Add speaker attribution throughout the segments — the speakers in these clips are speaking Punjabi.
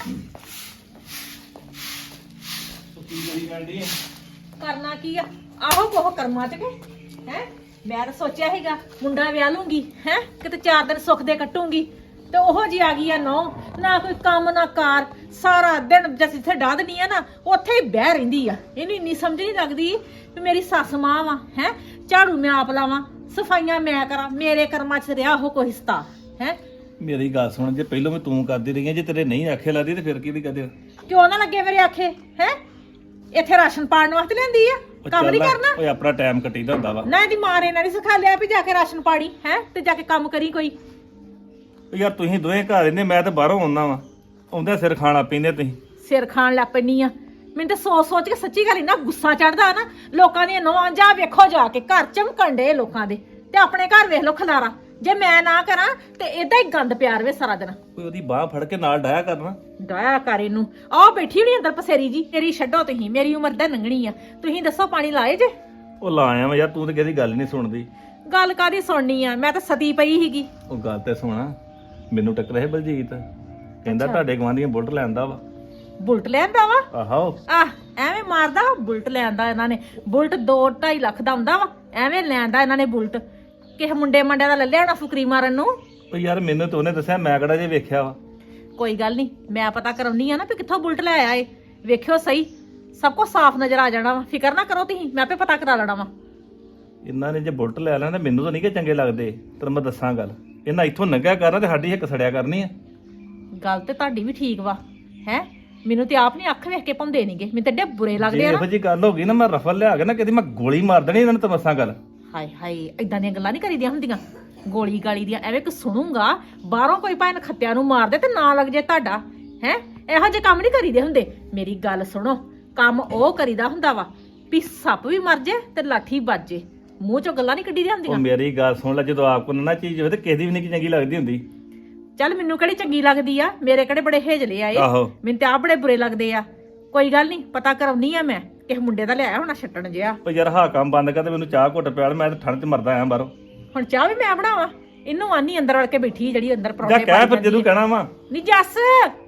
Speaker 1: करना की आ आहो कोह कर्मा च के हैं मैं तो सोचा हैगा मुंडा विआह लूंगी हैं किते 4 दिन सुख दे कटूंगी ते ओहो जी आ गई है नौ ना कोई काम ना कार सारा दिन जस इत्थे डाह दनी है ना उत्थे ही बह रहिंदी आ इन्हू इन्नी समझ नहीं लगदी भी मेरी सस मां वा हैं झाड़ू मैं आप लावां सफाइयां मैं करा मेरे कर्मा च रिहा हो कोई हिस्सा हैं
Speaker 2: मेरी गल सुन जे पहलों मैं तू करदी रही जे तेरे नहीं आखे लगदी ते फिर की कदे
Speaker 1: क्यों ना लगे मेरे आखे हैं ਇੱਥੇ ਰਾਸ਼ਨ ਪਾਣ ਵਾਸਤੇ ਲੈਂਦੀ ਆ ਕੰਮ ਨਹੀਂ ਕਰਨਾ
Speaker 2: ਓਏ ਆਪਣਾ ਟਾਈਮ ਕੱਟੀਦਾ ਹੁੰਦਾ ਵਾ
Speaker 1: ਨਾ ਇਹਦੀ ਮਾਂ ਨੇ ਨਾ ਨਹੀਂ ਸਿਖਾ ਲਿਆ ਵੀ ਜਾ ਕੇ ਰਾਸ਼ਨ ਪਾੜੀ ਹੈ ਤੇ ਜਾ ਕੇ ਕੰਮ ਕਰੀ ਕੋਈ
Speaker 2: ਯਾਰ ਤੁਸੀਂ ਦੋਵੇਂ ਘਰ ਰਹਿੰਦੇ ਮੈਂ ਤਾਂ ਬਾਹਰੋਂ ਆਉਂਦਾ ਵਾਂ ਆਉਂਦੇ ਸਿਰ ਖਾਣਾ ਪੀਂਦੇ ਤੁਸੀਂ
Speaker 1: ਸਿਰ ਖਾਣ ਲੱਗ ਪੈਣੀ ਆ ਮੈਨੂੰ ਤਾਂ ਸੋਚ ਕੇ ਸੱਚੀ ਗੱਲ ਇੰਨਾ ਗੁੱਸਾ ਚੜਦਾ ਨਾ ਲੋਕਾਂ ਦੀਆਂ ਨੌਂ ਜਾ ਵੇਖੋ ਜਾ ਕੇ ਘਰ ਚਮਕਣ ਡੇ ਲੋਕਾਂ ਦੇ ਤੇ ਆਪਣੇ ਘਰ ਵੇਖ ਲੋ ਖਲਾਰਾ ਜੇ ਮੈਂ ਨਾ ਕਰਾਂ ਤੇ ਏਦਾਂ ਹੀ ਗੰਦ ਪਿਆਰ ਵੇ ਸਾਰਾ ਦਿਨ
Speaker 2: ਕੋਈ ਉਹਦੀ ਬਾਹ ਫੜ ਕੇ ਨਾਲ ਡਾਇਆ ਕਰਨਾ
Speaker 1: ਡਾਇਆ ਕਰ ਇਹਨੂੰ ਆਹ ਬੈਠੀ ਹੋਣੀ ਅੰਦਰ ਪਸੇਰੀ ਜੀ ਤੇਰੀ ਛੱਡੋ ਤੁਸੀਂ ਮੇਰੀ ਉਮਰ ਦਾ ਲੰਘਣੀ ਆ ਤੁਸੀਂ ਦੱਸੋ ਪਾਣੀ ਲਾਏ ਜੇ
Speaker 2: ਉਹ ਲਾਇਆ ਵਾ ਯਾਰ ਤੂੰ ਤੇ ਕਿਹਦੀ ਗੱਲ ਨਹੀਂ ਸੁਣਦੀ
Speaker 1: ਗੱਲ ਕਾਦੀ ਸੁਣਨੀ ਆ ਮੈਂ ਤਾਂ ਸਤੀ ਪਈ ਸੀਗੀ
Speaker 2: ਉਹ ਗੱਲ ਤੇ ਸੁਣਾ ਮੈਨੂੰ ਟੱਕਰਿਆ ਸੀ ਬਲਜੀਤ ਕਹਿੰਦਾ ਤੁਹਾਡੇ ਗਵਾਂਢੀਆਂ ਬੁਲਟ ਲੈਂਦਾ ਵਾ
Speaker 1: ਬੁਲਟ ਲੈਂਦਾ ਵਾ
Speaker 2: ਆਹੋ
Speaker 1: ਐਵੇਂ ਮਾਰਦਾ ਬੁਲਟ ਲੈਂਦਾ ਇਹਨਾਂ ਨੇ ਬੁਲਟ 2-2.5 ਲੱਖ ਦਾ ਹੁੰਦਾ ਵਾ ਐਵੇਂ ਲੈਂਦਾ ਇਹਨਾਂ ਨੇ ਬੁਲਟ ਕਿਸੇ ਮੁੰਡੇ ਮੰਡਿਆਂ ਦਾ ਲੈ ਲਿਆਣਾ ਫੁਕਰੀ ਮਾਰਨ ਨੂੰ
Speaker 2: ਉਹ ਯਾਰ ਮੈਨੂੰ ਤਾਂ ਉਹਨੇ ਦੱਸਿਆ ਮੈਂ ਕਿਹੜਾ ਜੇ ਵੇਖਿਆ ਵਾ
Speaker 1: ਕੋਈ ਗੱਲ ਨਹੀਂ ਮੈਂ ਪਤਾ ਕਰਾਉਣੀ ਆ ਨਾ ਵੀ ਕਿੱਥੋਂ ਬੁਲਟ ਲੈ ਆਇਆ ਏ ਵੇਖਿਓ ਸਹੀ ਸਭ ਕੁਝ ਸਾਫ਼ ਨਜ਼ਰ ਆ ਜਾਣਾ ਵਾ ਫਿਕਰ ਨਾ ਕਰੋ ਤੁਸੀਂ ਮੈਂ ਆਪੇ ਪਤਾ ਕਰਾ ਲੈਣਾ ਵਾ
Speaker 2: ਇਹਨਾਂ ਨੇ ਜੇ ਬੁਲਟ ਲੈ ਲੈਣਾ ਮੈਨੂੰ ਤਾਂ ਨਹੀਂ ਕਿ ਚੰਗੇ ਲੱਗਦੇ ਤੈਨੂੰ ਮੈਂ ਦੱਸਾਂ ਗੱਲ ਇਹਨਾਂ ਇੱਥੋਂ ਲੰਘਿਆ ਕਰਨਾ ਤੇ ਸਾਡੀ ਇੱਕ ਸੜਿਆ ਕਰਨੀ ਆ
Speaker 1: ਗੱਲ ਤੇ ਤੁਹਾਡੀ ਵੀ ਠੀਕ ਵਾ ਹੈ ਮੈਨੂੰ ਤੇ ਆਪ ਨਹੀਂ ਅੱਖ ਵੇਖ ਕੇ ਪਾਉਂਦੇ ਨਹੀਂਗੇ ਮੈਨੂੰ ਤੇ ਡੇ ਬੁਰੇ ਲੱਗਦੇ
Speaker 2: ਜੇ
Speaker 1: ਆ
Speaker 2: ਇਹੋ ਜੀ ਗੱਲ ਹੋ ਗਈ ਨਾ ਮੈਂ ਰਫਲ ਲਿਆ ਕੇ ਨਾ ਕਿਤੇ ਮੈਂ ਗੋਲੀ ਮਾਰ ਦੇਣੀ ਇਹਨਾਂ ਨੂੰ ਤਾਂ ਦੱਸਾਂ ਗੱਲ
Speaker 1: ਹਾਏ ਹਾਏ ਇਦਾਂ ਦੀਆਂ ਗੱਲਾਂ ਨਹੀਂ ਕਰੀਦੀਆਂ ਹੁੰਦੀਆਂ ਗੋਲੀ ਗਾਲੀ ਦੀਆਂ ਐਵੇਂ ਕਿ ਸੁਣੂਗਾ ਬਾਹਰੋਂ ਕੋਈ ਭਾਵੇਂ ਖੱਤਿਆਂ ਨੂੰ ਮਾਰ ਦੇ ਤੇ ਨਾ ਲੱਗ ਜੇ ਤੁਹਾਡਾ ਹੈ ਇਹੋ ਜਿਹੇ ਕੰਮ ਨਹੀਂ ਕਰੀਦੇ ਹੁੰਦੇ ਮੇਰੀ ਗੱਲ ਸੁਣੋ ਕੰਮ ਉਹ ਕਰੀਦਾ ਹੁੰਦਾ ਵਾ ਵੀ ਸੱਪ ਵੀ ਮਰ ਜੇ ਤੇ ਲਾਠੀ ਵੱਜ ਜੇ ਮੂੰਹ ਚੋਂ ਗੱਲਾਂ ਨਹੀਂ ਕੱਢੀਆਂ
Speaker 2: ਉਹ
Speaker 1: ਹੁੰਦੀਆਂ
Speaker 2: ਮੇਰੀ ਗੱਲ ਸੁਣ ਲੈ ਜਦੋਂ ਆਪ ਕੋਲ ਨਾ ਚੀਜ਼ ਹੋਵੇ ਤੇ ਕਿਸੇ ਦੀ ਵੀ ਨਹੀਂ ਚੰਗੀ ਲੱਗਦੀ ਹੁੰਦੀ
Speaker 1: ਚੱਲ ਮੈਨੂੰ ਕਿਹੜੀ ਚੰਗੀ ਲੱਗਦੀ ਆ ਮੇਰੇ ਕਿਹੜੇ ਬੜੇ ਹੇਜਲੇ ਆਏ
Speaker 2: ਆਹੋ
Speaker 1: ਮੈਨੂੰ ਤੇ ਆਪ ਬੜੇ ਬੁਰੇ ਲੱਗਦੇ ਆ ਕੋਈ ਗੱਲ ਨਹੀਂ ਪਤਾ ਕਰਾਉਣੀ ਆ ਮੈਂ ਕਿਸੇ ਮੁੰਡੇ ਦਾ ਲਿਆਇਆ ਹੋਣਾ ਛੱਟਣ ਜਿਆ
Speaker 2: ਉਹ ਯਾਰ ਹਾਂ ਕੰਮ ਬੰਦ ਕਰ ਤੇ ਮੈਨੂੰ ਚਾਹ ਘੁੱਟ ਪਿਆਲ ਮੈਂ ਤਾਂ ਠੰਡ 'ਚ ਮਰਦਾ ਆਇਆ ਬਾਹਰੋਂ
Speaker 1: ਹੁਣ ਚਾਹ ਵੀ ਮੈਂ ਬਣਾਵਾਂ ਇਹਨੂੰ ਆਨੀ ਅੰਦਰ ਵੜ ਕੇ ਬੈਠੀ ਜਿਹੜੀ ਅੰਦਰ
Speaker 2: ਜਾ
Speaker 1: ਪਰੌਂਠੇ
Speaker 2: ਕਹਿ ਫਿਰ ਜਦੋਂ ਕਹਿਣਾ ਵਾ
Speaker 1: ਨੀ ਜੱਸ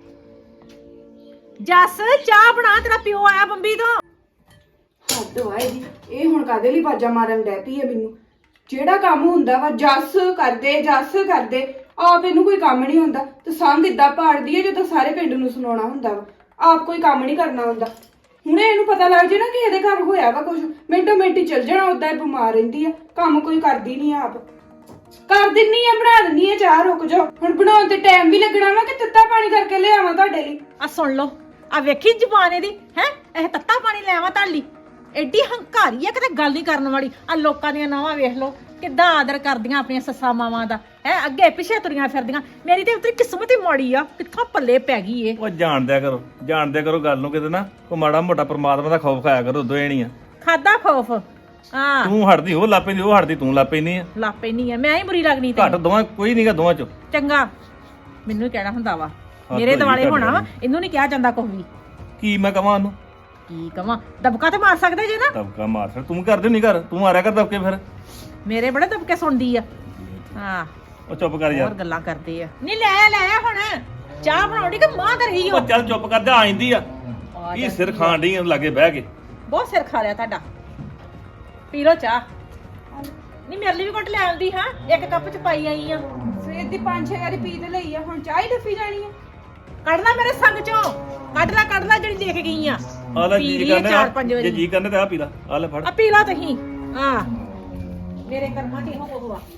Speaker 1: ਜੱਸ ਚਾਹ ਬਣਾ ਤੇਰਾ ਪਿਓ ਆਇਆ ਬੰਬੀ ਤੋਂ
Speaker 3: ਹੱਦ ਵਾਏ ਜੀ ਇਹ ਹੁਣ ਕਾਦੇ ਲਈ ਬਾਜਾ ਮਾਰਨ ਡੈ ਪਈ ਹੈ ਮੈਨੂੰ ਜਿਹੜਾ ਕੰਮ ਹੁੰਦਾ ਵਾ ਜੱਸ ਕਰਦੇ ਆਪ ਇਹਨੂੰ ਕੋਈ ਕੰਮ ਨਹੀਂ ਹੁੰਦਾ ਤੇ ਸੰਗ ਇਦਾਂ ਪਾੜਦੀ ਹੈ ਜਦੋਂ ਸਾਰੇ ਪਿੰਡ ਨੂੰ ਸੁਣਾਉਣਾ ਹੁੰਦਾ ਵਾ ਆਪ ਕੋਈ ਕੰਮ ਨਹੀਂ ਕਰਨਾ ਹੁੰਦਾ ਹੁਣੇ ਇਹਨੂੰ ਪਤਾ ਲੱਗ ਜੇ ਨਾ ਕਿ ਇਹਦੇ ਘਰ ਹੋਇਆ ਵਾ ਕੁਝ ਮਿੰਟੋ ਮਿੰਟੀ ਚੱਲ ਜਾਣਾ ਉਦਾਂ ਹੀ ਬਿਮਾਰ ਰਹਿੰਦੀ ਆ ਕੰਮ ਕੋਈ ਕਰਦੀ ਨਹੀਂ ਆਪ ਕਰ ਦਿੰਨੀ ਆ ਬਣਾ ਦਿੰਨੀ ਆ ਚਾਹ ਰੁਕ ਜਾਓ ਹੁਣ ਬਣਾਉਣ ਤੇ ਟਾਈਮ ਵੀ ਲੱਗਣਾ ਵਾ ਕਿ ਤੱਤਾ ਪਾਣੀ ਕਰਕੇ ਲਿਆਵਾਂ ਤੁਹਾਡੇ ਲਈ
Speaker 1: ਆ ਸੁਣ ਲਓ ਆ ਵੇਖੀ ਜ਼ੁਬਾਨ ਇਹਦੀ ਹੈ ਇਹ ਤੱਤਾ ਪਾਣੀ ਲੈਵਾਂ ਤੁਹਾਡੀ ਐਡੀ ਹੰਕਾਰੀ ਆ ਕਿਤੇ ਗੱਲ ਨਹੀਂ ਕਰਨ ਵਾਲੀ ਆ ਲੋਕਾਂ ਦੀਆਂ ਨਾਵਾਂ ਵੇਖ ਲਓ ਕਿੱਦਾਂ ਆਦਰ ਕਰਦੀਆਂ ਆਪਣੀਆਂ ਸੱਸਾਂ ਮਾਵਾਂ ਦਾ ਹੈ ਅੱਗੇ ਪਿੱਛੇ ਤੁਰੀਆਂ ਫਿਰਦੀਆਂ ਮੇਰੀ ਤੇ ਉਤਰੀ ਕਿਸਮਤ ਹੀ ਮਾੜੀ ਆ ਕਿੱਥੋਂ ਪੱਲੇ ਪੈ ਗਈ ਏ
Speaker 2: ਉਹ ਜਾਣਦਿਆ ਕਰੋ ਗੱਲ ਨੂੰ ਕਿਤੇ ਨਾ ਕੋ ਮਾੜਾ ਮੋਟਾ ਪਰਮਾਤਮਾ ਦਾ ਖੌਫ ਖਾਇਆ ਕਰੋ ਦੋਏ ਨਹੀਂ ਆ
Speaker 1: ਖਾਦਾ ਖੌਫ ਹਾਂ
Speaker 2: ਤੂੰ ਹਟਦੀ ਉਹ ਲਾਪੇ ਦੀ ਉਹ ਹਟਦੀ ਤੂੰ ਲਾਪੇ ਨਹੀਂ ਆ
Speaker 1: ਲਾਪੇ ਨਹੀਂ ਆ ਮੈਂ ਹੀ ਬੁਰੀ ਲੱਗਣੀ ਤੇ
Speaker 2: ਘੱਟ ਦੋਵਾਂ ਕੋਈ ਨਹੀਂਗਾ ਦੋਵਾਂ ਚ
Speaker 1: ਚੰਗਾ ਮੈਨੂੰ ਹੀ ਕਹਿਣਾ ਹੁੰਦਾ ਵਾ ਮੇਰੇ ਦਿਵਾਲੇ ਹੋਣਾ ਵਾ ਇਹਨੂੰ ਨਹੀਂ ਕਿਹਾ ਜਾਂਦਾ ਕੁਝ ਵੀ
Speaker 2: ਕੀ ਮੈਂ ਕਵਾਂ ਉਹਨੂੰ
Speaker 1: ਕੀ ਕਵਾਂ ਦਬਕਾ ਤੇ ਮਾਰ ਸਕਦੇ ਜੇ ਨਾ
Speaker 2: ਦਬਕਾ ਮਾਰ ਫਿਰ ਤੂੰ ਕਰਦੇ ਨਹੀਂ ਕਰ ਤੂੰ ਮਾਰਿਆ ਕਰ ਦਬਕੇ ਫਿਰ
Speaker 1: ਮੇਰੇ ਬੜੇ ਦਬਕੇ ਸੁਣਦੀ ਆ ਹਾਂ
Speaker 2: ਉਹ ਚੁੱਪ ਕਰ
Speaker 1: ਹੋਰ
Speaker 2: ਯਾਰ
Speaker 1: ਗੱਲਾਂ ਕਰਦੇ ਆ ਨਹੀਂ ਲੈ ਹੁਣ ਚਾਹ ਬਣਾਉਣੀ ਕਿ ਮਾਂ ਤੇ ਰਹੀ ਹੋ
Speaker 2: ਉਹ ਚੱਲ ਚੁੱਪ ਕਰ ਜਾ ਆ ਜਾਂਦੀ ਆ ਕੀ ਸਿਰ ਖਾਣ ਡਈ ਲਾਗੇ ਬਹਿ ਕੇ
Speaker 1: ਬਹੁਤ ਸਿਰ ਖਾ ਲਿਆ ਤੁਹਾਡਾ ਪੀ ਲੋ ਚਾਹ ਨਹੀਂ ਮੇਰੇ ਲਈ ਵੀ ਘੁੱਟ ਲੈ ਆਉਂਦੀ ਹਾਂ ਇੱਕ ਕੱਪ ਚ ਪਾਈ ਆਈ ਆ
Speaker 3: ਸਵੇਰ ਦੀ 5-6 ਵਾਰੀ ਪੀ ਤੇ ਲਈ ਆ ਹੁਣ ਚਾਹ ਹੀ ਡੱਫੀ ਜਾਣੀ ਆ
Speaker 1: ਕੱਢ ਲੈ ਮੇਰੇ ਸੰਗ ਚੋਂ ਕੱਢ ਲੈ ਜਿਹੜੀ ਲੈ ਕੇ ਗਈ ਆ
Speaker 2: ਆ ਲੈ
Speaker 1: ਪੀ
Speaker 2: ਜੀ
Speaker 1: ਲਈ ਆ
Speaker 2: ਕਰਨੇ
Speaker 1: 4-5
Speaker 2: ਜੇ
Speaker 1: ਵਾਰੀ
Speaker 2: ਜੀ ਕਰਨੇ ਤਾਂ ਆ ਪੀ ਲਾ ਆ ਲੈ ਫੜ
Speaker 1: ਆ ਪੀ ਲਾ ਤੁਸੀਂ ਹਾਂ ਮੇਰੇ ਕਰਮਾਂ ਤੇ ਇਹੋ ਕੁਝ ਵਾ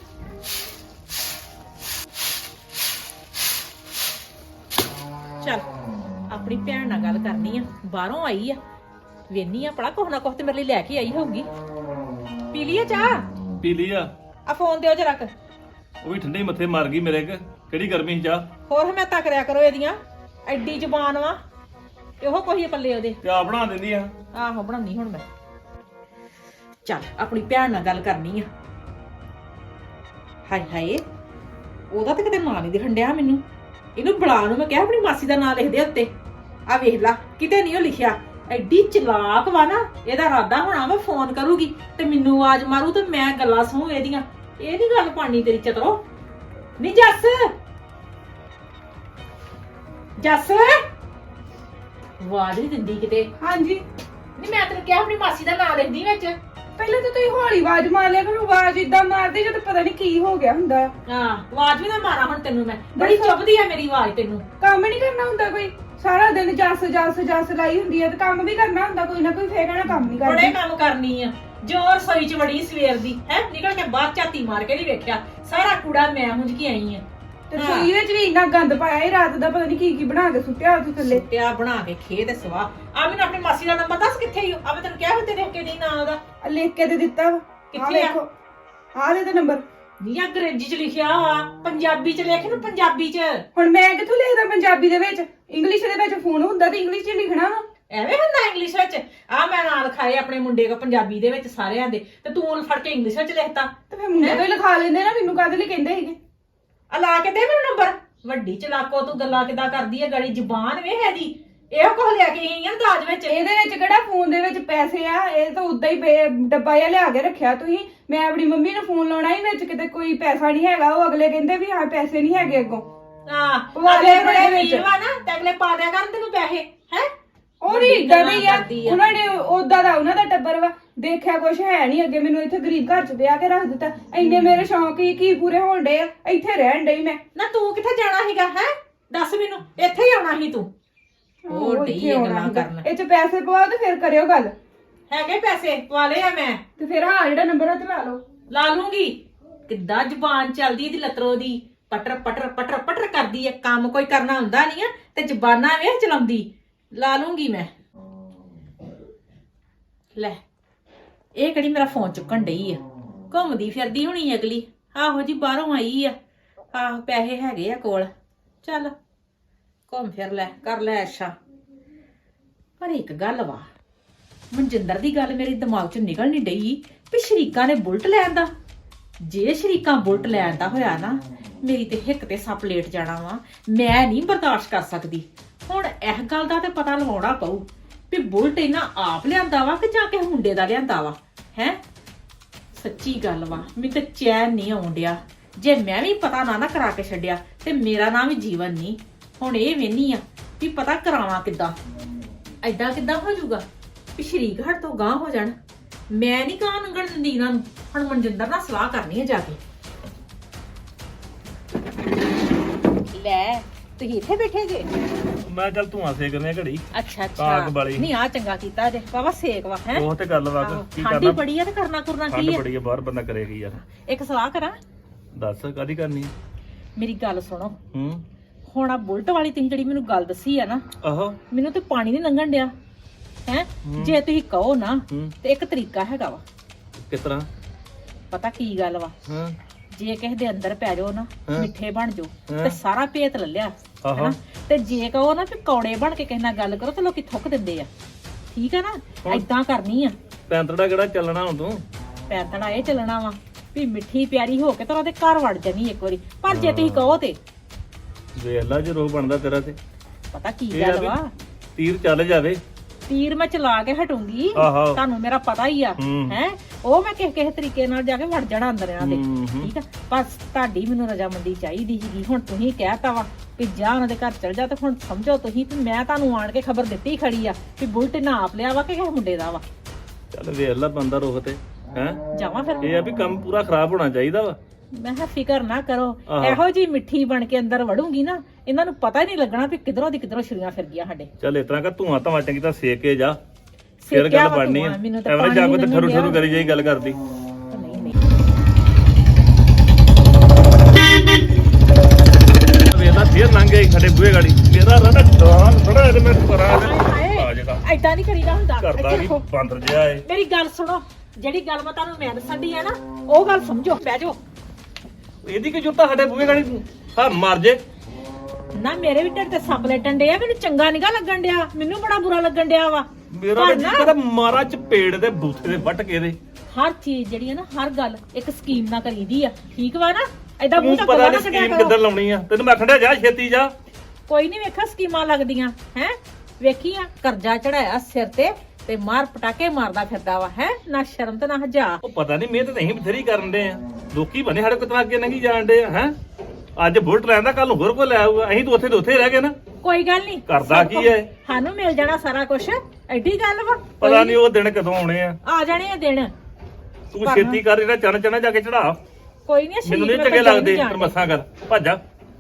Speaker 1: ਚੱਲ ਆਪਣੀ ਭੈਣ ਨਾਲ ਗੱਲ ਕਰਨੀ ਆ ਬਾਹਰੋਂ ਆਈ ਆ ਵੇਨੀ ਆ ਪੜਾ ਕੁਛ ਨਾ ਕੁਛ ਤੇ ਮੇਰੇ ਲਈ ਲੈ ਕੇ ਆਈ ਹੋਊਗੀ ਪੀ ਲਈਏ ਚਾਹ
Speaker 2: ਪੀ ਲਈ ਆ
Speaker 1: ਫੋਨ ਦਿਓ ਜਰਾ
Speaker 2: ਉਹ ਵੀ ਠੰਡੀ ਮੱਥੇ ਮਾਰ ਗਈ ਮੇਰੇ ਕਿਹੜੀ ਗਰਮੀ ਸੀ ਚਾਹ
Speaker 1: ਹੋਰ ਹਮੈਤਾਂ ਕਰਿਆ ਕਰੋ ਇਹਦੀਆਂ ਐਡੀ ਜ਼ੁਬਾਨ ਵਾ ਇਹੋ ਕੋਈ ਪੱਲੇ ਉਹਦੇ
Speaker 2: ਚਾਹ ਬਣਾ ਦਿੰਦੀ ਆ
Speaker 1: ਆਹੋ ਬਣਾਉਣੀ ਹੁਣ ਮੈਂ ਚੱਲ ਆਪਣੀ ਭੈਣ ਨਾਲ ਗੱਲ ਕਰਨੀ ਆ ਹਾਏ ਹਾਏ ਉਹਦਾ ਤਾਂ ਕਿਤੇ ਨਾਂ ਨਹੀਂ ਦਿਖਣ ਡਿਆ ਮੈਨੂੰ ਇਹਨੂੰ ਬੁਲਾ ਨੂੰ ਮੈਂ ਕਿਹਾ ਆਪਣੀ ਮਾਸੀ ਦਾ ਨਾਂ ਲਿਖ ਦੇ ਉੱਤੇ ਆ ਵੇਖ ਲਾ ਕਿਤੇ ਨਹੀਂ ਉਹ ਲਿਖਿਆ ਐਡੀ ਚਲਾਕ ਵਾ ਨਾ ਇਹਦਾ ਇਰਾਦਾ ਹੋਣਾ ਵਾ ਫੋਨ ਕਰੂਗੀ ਤੇ ਮੈਨੂੰ ਆਵਾਜ਼ ਮਾਰੂ ਤੇ ਮੈਂ ਗੱਲਾਂ ਸੁਣੂ ਇਹਦੀਆਂ ਇਹ ਨੀ ਗੱਲ ਪਾਣੀ ਤੇਰੀ ਚਤਰੋ ਨੀ ਜੱਸ ਆਵਾਜ਼ ਨਹੀਂ ਦਿੰਦੀ ਕਿਤੇ।
Speaker 3: ਹਾਂਜੀ
Speaker 1: ਨਹੀਂ ਮੈਂ ਤੈਨੂੰ ਕਿਹਾ ਆਪਣੀ ਮਾਸੀ ਦਾ ਨਾਂ ਲੈਂਦੀ ਵਿੱਚ।
Speaker 3: ਪਹਿਲਾਂ ਤਾਂ ਤੁਸੀਂ ਹੌਲੀ ਆਵਾਜ਼ ਮਾਰ ਲਿਆ ਕਰੋ, ਆਵਾਜ਼ ਇਦਾਂ ਮਾਰਦੇ ਜਦੋਂ ਪਤਾ ਨਹੀਂ ਕੀ ਹੋ ਗਿਆ ਹੁੰਦਾ।
Speaker 1: ਹਾਂ ਆਵਾਜ਼ ਵੀ ਨਾ ਮਾਰਾਂ ਹੁਣ ਤੈਨੂੰ ਮੈਂ, ਬੜੀ ਚੁੱਭਦੀ ਆ ਮੇਰੀ ਆਵਾਜ਼ ਤੈਨੂੰ।
Speaker 3: ਕੰਮ ਨਹੀਂ ਕਰਨਾ ਹੁੰਦਾ ਕੋਈ, ਸਾਰਾ ਦਿਨ ਜੱਸ ਲਾਈ ਹੁੰਦੀ ਹੈ ਤੇ ਕੰਮ ਵੀ ਕਰਨਾ ਹੁੰਦਾ ਕੋਈ ਨਾ ਕੋਈ, ਫੇਰ ਕਹਿਣਾ ਕੰਮ ਨਹੀਂ
Speaker 1: ਬੜੇ
Speaker 3: ਕਰਦੀ।
Speaker 1: ਕੰਮ ਕਰਨੀ ਆ। ਜੋਰ ਸੋਈ ਚ ਵੜੀ ਸਵੇਰ ਦੀ ਹੈ, ਨਿਕਲ ਕੇ ਬਾਹਰ ਝਾਤੀ ਮਾਰ ਕੇ ਨਹੀਂ ਵੇਖਿਆ, ਸਾਰਾ ਕੂੜਾ ਮੈਂ ਹੁੰਜ ਕੇ ਆਈ ਆ।
Speaker 3: ਤੇ ਰਸੋਈ ਵਿੱਚ ਵੀ ਇੰਨਾ ਗੰਦ ਪਾਇਆ ਇਹ ਰਾਤ ਦਾ, ਪਤਾ ਨਹੀਂ ਕੀ ਬਣਾ ਕੇ ਸੁੱਟਿਆ ਉੱਥੇ ਥੱਲੇ।
Speaker 1: ਪਿਆ ਬਣਾ ਕੇ ਖੇ ਤੇ ਸਵਾ। ਆ ਮੈਨੂੰ ਆਪਣੀ ਮਾਸੀ ਦਾ ਨੰਬਰ ਦੱਸ ਕਿੱਥੇ ਹੀ ਆ? ਮੈਂ ਤੈਨੂੰ ਕਿਹਾ ਹੁੰਦੇ ਦੇਖ ਕੇ ਨਹੀਂ ਨਾ ਉਹਦਾ।
Speaker 3: ਆਹ ਲਿਖ ਕੇ ਤੇ ਦਿੱਤਾ ਵਾ।
Speaker 1: ਕਿੱਥੇ ਆ?
Speaker 3: ਦੇਖੋ ਆਹ ਲੈ ਤੇ ਨੰਬਰ।
Speaker 1: ਨਹੀਂ ਅੰਗਰੇਜ਼ੀ ਚ ਲਿਖਿਆ ਵਾ, ਪੰਜਾਬੀ ਚ ਲਿਖ ਨੂੰ, ਪੰਜਾਬੀ ਚ।
Speaker 3: ਹੁਣ ਮੈਂ ਕਿੱਥੋਂ ਲਿਖਦਾ ਪੰਜਾਬੀ ਦੇ ਵਿੱਚ? ਇੰਗਲਿਸ਼ ਦੇ ਵਿੱਚ ਫੋਨ ਹੁੰਦਾ ਤੇ ਇੰਗਲਿਸ਼ ਚ ਲਿਖਣਾ ਵਾ।
Speaker 1: ਐਵੇਂ ਹੁੰਦਾ ਇੰਗਲਿਸ਼ ਵਿੱਚ? ਆ ਮੈਂ ਨਾਲ ਖਾਏ ਆਪਣੇ ਮੁੰਡੇ ਕੋ ਪੰਜਾਬੀ ਦੇ ਵਿੱਚ ਸਾਰਿਆਂ ਦੇ, ਤੇ ਤੂੰ ਉਹਨੂੰ ਫੜ ਕੇ ਇੰਗਲਿਸ਼ ਵਿੱਚ ਲਿਖਤਾ।
Speaker 3: ਤੇ ਫੇਰ ਮੁੰਡੇ ਤੋਂ ਹੀ ਲਿਖਾ ਲੈਂਦੇ ਨਾ, ਮੈਨੂੰ ਕਾਹਦੇ ਲਈ ਕਹਿੰਦੇ ਸੀਗੇ?
Speaker 1: ਆ ਲਾ ਕੇ ਦੇ ਮੈਨੂੰ ਨੰਬਰ। ਵੱਡੀ ਚਲਾਕੋ ਤੂੰ ਗੱਲਾਂ ਕਿਦਾਂ ਕਰਦੀ ਹੈ, ਗਾੜੀ ਜ਼ੁਬਾਨ ਵੇ ਹੈ ਦੀ। ਇਹੋ ਕੁਝ ਲੈ ਕੇ ਆਈ ਆ ਦਾਜ ਵਿੱਚ।
Speaker 3: ਇਹਦੇ ਵਿੱਚ ਕਿਹੜਾ ਫੋਨ ਦੇ ਵਿੱਚ ਪੈਸੇ ਆ? ਇਹ ਤਾਂ ਉਦਾਂ ਹੀ ਡੱਬਾ ਜਿਹਾ ਲਿਆ ਕੇ ਰੱਖਿਆ ਤੁਸੀਂ। ਮੈਂ ਆਪਣੀ ਮੰਮੀ ਨੂੰ ਫੋਨ ਲਾਉਣਾ ਹੀ, ਵਿੱਚ ਕਿਤੇ ਕੋਈ ਪੈਸਾ ਨਹੀਂ ਹੈਗਾ। ਉਹ ਅਗਲੇ ਕਹਿੰਦੇ ਵੀ ਹਾਂ ਪੈਸੇ ਨਹੀਂ ਹੈਗੇ ਅੱਗੋਂ।
Speaker 1: ਅਗਲੇ ਬੜੇ ਅਮੀਰ ਵਾ ਨਾ, ਤੇ ਅਗਲੇ ਪਾ ਦਿਆ ਕਰਨ ਤੈਨੂੰ ਪੈਸੇ ਹੈ।
Speaker 3: ਉਹ ਵੀ ਇਦਾਂ ਦੇ ਹੀ ਆ, ਉਹਨਾਂ ਨੇ ਉਦਾਂ ਦਾ ਉਹਨਾਂ ਦਾ ਟੱਬਰ ਵਾ, ਦੇਖਿਆ ਕੁਛ ਹੈ ਨਹੀਂ ਅੱਗੇ। ਮੈਨੂੰ ਇੱਥੇ ਗਰੀਬ ਘਰ ਚ ਵਿਆਹ ਕੇ ਰੱਖ ਦਿੱਤਾ। ਇੰਨੇ ਮੇਰੇ ਸ਼ੌਂਕ ਹੀ ਕੀ ਪੂਰੇ ਹੋਣ ਡੇ ਆ, ਇੱਥੇ ਰਹਿਣ ਡਈ ਮੈਂ।
Speaker 1: ਨਾ ਤੂੰ ਕਿੱਥੇ ਜਾਣਾ ਸੀਗਾ ਹੈ? ਦੱਸ ਮੈਨੂੰ, ਇੱਥੇ ਹੀ ਆਉਣਾ ਸੀ ਤੂੰ। ਉਹ ਢੀ ਗੱਲਾਂ ਕਰਨ।
Speaker 3: ਇਹ ਚ ਪੈਸੇ ਪਵਾਓ ਤੇ ਫਿਰ ਕਰਿਓ ਗੱਲ।
Speaker 1: ਹੈਗੇ ਪੈਸੇ ਪਵਾ ਲਏ ਆ ਮੈਂ।
Speaker 3: ਤੇ ਫਿਰ ਹਾਂ ਜਿਹੜਾ ਨੰਬਰ ਆ ਤੇ ਲਾ ਲਓ।
Speaker 1: ਲਾ ਲੂੰਗੀ। ਕਿੱਦਾਂ ਜ਼ੁਬਾਨ ਚੱਲਦੀ ਇਹਦੀ ਲਤਰੋ ਦੀ, ਪਟਰ ਪਟਰ ਪਟਰ ਪਟਰ ਕਰਦੀ ਹੈ। ਕੰਮ ਕੋਈ ਕਰਨਾ ਹੁੰਦਾ ਨਹੀਂ ਆ ਤੇ ਜ਼ਬਾਨਾਂ ਵੇਖ ਚਲਾਉਂਦੀ। ਲਾ ਲੂੰਗੀ ਮੈਂ। ਲੈ ਇਹ ਕਿਹੜੀ ਮੇਰਾ ਫੋਨ ਚੁੱਕਣ ਡਈ ਆ? ਘੁੰਮਦੀ ਫਿਰਦੀ ਹੋਣੀ ਅਗਲੀ। ਆਹੋ ਜੀ ਬਾਹਰੋਂ ਆਈ ਆ। ਆਹੋ ਪੈਸੇ ਹੈਗੇ ਆ ਕੋਲ, ਚੱਲ ਘੁੰਮ ਫਿਰ ਲੈ, ਕਰ ਲੈ ਅੱਛਾ। ਪਰ ਇੱਕ ਗੱਲ ਵਾ, ਮਨਜਿੰਦਰ ਦੀ ਗੱਲ ਮੇਰੇ ਦਿਮਾਗ ਚੋਂ ਨਿਕਲ ਨਹੀਂ ਡਈ ਵੀ ਸ਼ਰੀਕਾਂ ਨੇ ਬੁਲਟ ਲੈਣ ਦਾ। ਜੇ ਸ਼ਰੀਕਾਂ ਬੁਲਟ ਲੈਣ ਦਾ ਹੋਇਆ ਨਾ, ਮੇਰੀ ਤੇ ਹਿੱਕ ਤੇ ਸੱਪ ਲੇਟ ਜਾਣਾ ਵਾ। ਮੈਂ ਨਹੀਂ ਬਰਦਾਸ਼ਤ ਕਰ ਸਕਦੀ। ਹੁਣ ਇਹ ਗੱਲ ਦਾ ਤੇ ਪਤਾ ਲਵਾਉਣਾ ਪਊ ਵੀ ਬੁਲਟ ਇਹਨਾਂ ਆਪ ਲਿਆਂਦਾ ਵਾ ਕਿ ਜਾਂ ਕਿਸੇ ਮੁੰਡੇ ਦਾ ਲਿਆਂਦਾ ਵਾ ਹੈ। ਸੱਚੀ ਗੱਲ ਵਾ, ਮੈਨੂੰ ਤੇ ਚੈਨ ਨਹੀਂ ਆਉਣ ਡਿਆ। ਜੇ ਮੈਂ ਵੀ ਪਤਾ ਨਾ ਕਰਾ ਕੇ ਛੱਡਿਆ ਤੇ ਮੇਰਾ ਨਾਮ ਵੀ ਜੀਵਨ ਨਹੀਂ। ਹੁਣ ਇਹ ਵੇਹਨੀ ਆ ਵੀ ਪਤਾ ਕਰਾਵਾਂ ਕਿੱਦਾਂ। ਐਦਾਂ ਕਿੱਦਾਂ ਹੋ ਜਾਊਗਾ ਵੀ ਸ਼ਰੀਕ ਹਟ ਤੋਂ ਗਾਂਹ ਹੋ ਜਾਣ। ਮੈਂ ਨਹੀਂ ਗਾਂਹ ਲੰਘਣ ਦਿੰਦੀ ਇਹਨਾਂ ਨੂੰ। ਹੁਣ ਮਨਜਿੰਦਰ ਨਾਲ ਸਲਾਹ ਕਰਨੀ ਹੈ ਜਾ ਕੇ। ਲੈ ਤੁਸੀਂ ਇੱਥੇ ਬੈਠੇ ਜੇ?
Speaker 2: ਮੈਂ ਚੱਲ ਧੂਆਂ ਸੇਕਨੇ ਘੜੀ।
Speaker 1: ਅੱਛਾ
Speaker 2: ਕਾਗ ਵਾਲੀ।
Speaker 1: ਨਹੀਂ ਆ ਚੰਗਾ ਕੀਤਾ ਜੇ ਬਾਬਾ, ਸੇਕ ਵਾ ਹੈ।
Speaker 2: ਉਹ ਤੇ ਗੱਲ ਵਾ ਕੀ
Speaker 1: ਠੰਡੀ
Speaker 2: ਕਰਨਾ।
Speaker 1: ਬੜੀ ਆ ਤੇ ਕਰਨਾ ਕੀ
Speaker 2: ਠੰਡ
Speaker 1: ਆ?
Speaker 2: ਬੜੀ ਆ, ਬਾਹਰ ਬੰਦਾ ਕਰੇ ਕੀ ਯਾਰ।
Speaker 1: ਇੱਕ ਸਲਾਹ ਕਰਾਂ?
Speaker 2: ਦੱਸ ਕਾਦੀ ਕਰਨੀ?
Speaker 1: ਮੇਰੀ ਗੱਲ ਸੁਣੋ।
Speaker 2: ਹੂੰ
Speaker 1: ਹੁਣ ਆ ਬੁਲਟ ਵਾਲੀ ਤੁਸੀਂ ਜਿਹੜੀ ਮੈਨੂੰ ਗੱਲ ਦੱਸੀ ਆ ਨਾ,
Speaker 2: ਆਹੋ
Speaker 1: ਮੈਨੂੰ ਤੇ ਪਾਣੀ ਨਹੀਂ ਲੰਘਣ ਡਿਆ ਹੈ। ਜੇ ਤੁਸੀਂ ਕਹੋ ਨਾ
Speaker 2: ਹੂੰ
Speaker 1: ਤੇ ਇੱਕ ਤਰੀਕਾ ਹੈਗਾ ਵਾ।
Speaker 2: ਕਿਸ ਤਰ੍ਹਾਂ?
Speaker 1: ਪਤਾ ਕੀ ਗੱਲ ਵਾ,
Speaker 2: ਹਾਂ
Speaker 1: ਜੇ ਕਿਸੇ ਦੇ ਅੰਦਰ ਪੈ ਜਾਓ ਨਾ,
Speaker 2: ਹਾਂ।
Speaker 1: ਮਿੱਠੇ ਬਣ ਜਾਓ
Speaker 2: ਹਾਂ।
Speaker 1: ਤੇ ਸਾਰਾ ਭੇਤ ਲੈ ਲਿਆ
Speaker 2: ਆਹੋ
Speaker 1: ਹੈਨਾ। ਤੇ ਜੇ ਕਹੋ ਨਾ ਵੀ ਕੌੜੇ ਬਣ ਕੇ ਕਿਸੇ ਨਾਲ ਗੱਲ ਕਰੋ ਤੇ ਲੋਕੀ ਥੁੱਕ ਦਿੰਦੇ ਆ। ਠੀਕ ਆ ਨਾ? ਏਦਾਂ ਕਰਨੀ ਆ।
Speaker 2: ਪੈਂਤੜਾ ਕਿਹੜਾ ਚੱਲਣਾ ਹੁਣ ਤੂੰ?
Speaker 1: ਪੈਂਤੜਾ ਇਹ ਚੱਲਣਾ ਵਾ ਵੀ ਮਿੱਠੀ ਪਿਆਰੀ ਹੋ ਕੇ ਤਾਂ ਉਹਦੇ ਘਰ ਵੜ ਜਾਣੀ ਇੱਕ ਵਾਰੀ। ਪਰ ਜੇ ਤੁਸੀਂ ਕਹੋ ਤੇ
Speaker 2: ਵੇਖ ਲਾ ਜੇ ਰੋਹ ਬਣਦਾ ਤੇਰਾ ਤੇ।
Speaker 1: ਪਤਾ ਕੀ
Speaker 2: ਇਹ ਆ
Speaker 1: ਗੱਲ
Speaker 2: ਵੀ
Speaker 1: ਵਾ,
Speaker 2: ਤੀਰ ਚੱਲ ਜਾਵੇ।
Speaker 1: ਤੀਰ ਮੈਂ ਚਲਾ ਕੇ ਹਟੂੰਗੀ,
Speaker 2: ਆਹੋ।
Speaker 1: ਤੁਹਾਨੂੰ ਮੇਰਾ ਪਤਾ ਹੀ ਆ
Speaker 2: ਹੂੰ।
Speaker 1: ਹੈ। ਉਹ ਮੈਂ ਕਿਸੇ ਤਰੀਕੇ ਨਾਲ ਜਾ ਕੇ ਵੜ ਜਾਣਾ ਅੰਦਰ ਇਹਨਾਂ ਦੇ।
Speaker 2: ਹੂੰ।
Speaker 1: ਠੀਕ ਆ, ਬਸ ਤੁਹਾਡੀ ਮੈਨੂੰ ਰਜਾਮੰਦੀ ਚਾਹੀਦੀ ਸੀਗੀ। ਹੁਣ ਤੁਸੀਂ ਕਹਿਤਾ ਵਾ ਕਿ ਜਾ ਉਹਨਾਂ ਦੇ ਘਰ ਚਲ ਜਾ, ਤੇ ਹੁਣ ਸਮਝੋ ਤੁਸੀਂ ਵੀ ਮੈਂ ਤੁਹਾਨੂੰ ਆਣ ਕੇ ਖਬਰ ਦਿੱਤੀ ਖੜੀ ਆ ਕਿ ਬੁਲਟ ਨਾ ਆਪ ਲਿਆ ਵਾ ਕਿ ਕਿਸੇ ਮੁੰਡੇ ਦਾ ਵਾ।
Speaker 2: ਚੱਲ ਵੇਖ ਲਾ ਬੰਦਾ ਰੋਹ ਤੇ ਹੈ।
Speaker 1: ਜਾਵਾਂ ਫਿਰ?
Speaker 2: ਇਹ ਆ ਵੀ ਕੰਮ ਪੂਰਾ ਖਰਾਬ ਹੋਣਾ ਚਾਹੀਦਾ ਵਾ।
Speaker 1: ਮੈਂ ਕਿਹਾ ਫਿਕਰ ਨਾ ਕਰੋ,
Speaker 2: ਆਹੋ।
Speaker 1: ਇਹੋ ਜੀ ਮਿੱਠੀ ਬਣ ਕੇ ਅੰਦਰ ਵੜੂੰਗੀ ਨਾ, ਇਹਨਾਂ ਨੂੰ ਪਤਾ ਹੀ ਨਹੀਂ ਲੱਗਣਾ ਵੀ ਕਿਧਰੋਂ ਦੀ ਕਿਧਰੋਂ ਛੁਰੀਆਂ ਫਿਰ ਗਈਆਂ ਸਾਡੇ।
Speaker 2: ਚੱਲ ਇਸ ਤਰ੍ਹਾਂ ਕਰ ਧੂਆਂ ਧਵਾ ਚੰਗੀ ਤਾਂ ਸੇਕ ਕੇ ਜਾ, ਫਿਰ
Speaker 1: ਸੇਕਿਆ
Speaker 2: ਗੱਲ
Speaker 1: ਵਾ
Speaker 2: ਬਣਨੀ
Speaker 1: ਧੂੰਆਂ,
Speaker 2: ਆ।
Speaker 1: ਮੈਨੂੰ ਤਾਂ
Speaker 2: ਐਵੇਂ ਜਾ ਕੇ ਤੇ
Speaker 1: ਪਾਣੀ
Speaker 2: ਠਰੂ
Speaker 1: ਨੀ
Speaker 2: ਠਰੂ ਕਰੀ ਜਾਈ ਗੱਲ ਕਰਦੀ।
Speaker 1: ਨਹੀਂ ਨਹੀਂ
Speaker 2: ਵੇਲਾ ਫੇਰ ਲੰਘ ਗਈ ਸਾਡੇ ਬੂਹੇ ਗਾੜੀ। ਮੇਰਾ ਰਣਾ ਡਾਂਗ ਥੋੜਾ ਇਹਦੇ ਮੈਂ ਪਰਾਂ ਆ ਜਗਾ
Speaker 1: ਐਦਾਂ ਨਹੀਂ ਕਰੀਦਾ ਹੁੰਦਾ।
Speaker 2: ਕਰਦਾ
Speaker 1: ਇੱਥੇ
Speaker 2: ਵੀ
Speaker 1: ਦੇਖੋ।
Speaker 2: ਬਾਂਦਰ ਜਿਹਾ ਏ।
Speaker 1: ਮੇਰੀ ਗੱਲ ਸੁਣੋ, ਜਿਹੜੀ ਗੱਲ ਮੈਂ ਤੁਹਾਨੂੰ ਮੈਂ ਦੱਸਣ ਦੀ ਆ ਨਾ, ਉਹ ਗੱਲ ਸਮਝੋ। ਬਹਿ ਜਾਓ।
Speaker 2: ਇਹਦੀ ਕੀ ਜੁੱਤਾ ਸਾਡੇ ਬੂਹੇ ਗਾੜੀ ਹਾਂ ਮਰ ਜੇ
Speaker 1: ਨਾ ਮੇਰੇ ਵੀ ਢਿੱਡ ਤੇ ਸੱਪ ਲੈਟਣ ਡਿਆ, ਮੈਨੂੰ ਚੰਗਾ ਨਿਗਾ ਲੱਗਣ ਡਿਆ, ਮੈਨੂੰ ਬੜਾ ਬੁਰਾ ਲੱਗਣ ਡਿਆ ਵਾ।
Speaker 2: ਮੇਰਾ
Speaker 1: ਪਰ
Speaker 2: ਜੀ
Speaker 1: ਨਾ,
Speaker 2: ਕਹਿੰਦਾ ਮਾਰਾ ਚਪੇੜ ਦੇ ਬੂਥੇ ਦੇ ਵੱਟ ਕੇ ਦੇ।
Speaker 1: ਹਰ ਚੀਜ਼ ਜਿਹੜੀ ਹੈ ਨਾ, ਹਰ ਗੱਲ ਇੱਕ ਸਕੀਮ ਨਾਲ ਕਰੀਦੀ ਆ। ਠੀਕ ਵਾ ਨਾ? ਐਦਾਂ
Speaker 2: ਤੂੰ
Speaker 1: ਮੂੰਹ ਤੱਕ
Speaker 2: ਪਤਾ
Speaker 1: ਨਾ
Speaker 2: ਨਹੀਂ
Speaker 1: ਕੱਢਿਆ
Speaker 2: ਸਕੀਮ
Speaker 1: ਕਰੋ।
Speaker 2: ਕਿੱਦਾਂ ਲਾਉਣੀ ਆ। ਤੈਨੂੰ ਮੈਂ ਆਖਣ ਜਾ ਛੇਤੀ ਜਾ।
Speaker 1: ਕੋਈ ਨਹੀਂ ਵੇਖਾ ਸਕੀਮਾਂ ਲੱਗਦੀਆਂ ਹੈ। ਵੇਖੀ ਆ ਕਰਜ਼ਾ ਚੜਾਇਆ ਸਿਰ ਤੇ ਮਾਰ ਪਟਾਕੇ ਮਾਰਦਾ ਫਿਰਦਾ ਵਾ ਹੈ। ਨਾ ਸ਼ਰਮ ਤੇ ਨਾ ਹਜਾ।
Speaker 2: ਉਹ ਪਤਾ ਨਹੀਂ ਮਿਹਨਤ ਨਹੀਂ ਬਥੇਰੀ ਕਰਨ ਦੇ ਆ। ਲੋਕੀ ਬਣੇ ਸਾਡੇ ਕੋਲ ਤਾਂ ਅੱਗੇ ਨਹੀਂ ਜਾਣ ਦੇ ਆ ਹੈ। ਅੱਜ ਬੁਲਟ ਲੈਂਦਾ, ਕੱਲ ਨੂੰ ਹੋਰ ਕੋਈ ਲੈ ਆਊਗਾ। ਅਸੀਂ ਤਾਂ ਉੱਥੇ ਦੇ ਉੱਥੇ ਰਹਿ ਗਏ ਨਾ।
Speaker 1: ਕੋਈ ਗੱਲ ਨਹੀਂ
Speaker 2: ਕਰਦਾ ਕੀ ਐ?
Speaker 1: ਸਾਨੂੰ ਮਿਲ ਜਾਣਾ ਸਾਰਾ ਕੁਝ ਐਡੀ ਗੱਲ ਵਾ
Speaker 2: ਪਤਾ ਨਹੀਂ ਉਹ ਦਿਨ ਕਦੋਂ ਆਉਣੇ ਆ
Speaker 1: ਜਾਣੇ ਆ ਦਿਨ
Speaker 2: ਤੂੰ ਛੇਤੀ ਕਰ ਇਹਦਾ ਚਣ ਜਾ ਕੇ ਚੜਾ
Speaker 1: ਕੋਈ ਨਹੀਂ
Speaker 2: ਮੈਨੂੰ ਨਹੀਂ ਚੰਗੇ ਲੱਗਦੇ ਤਰਮੱਸਾਂ ਕਰ ਭੱਜਾ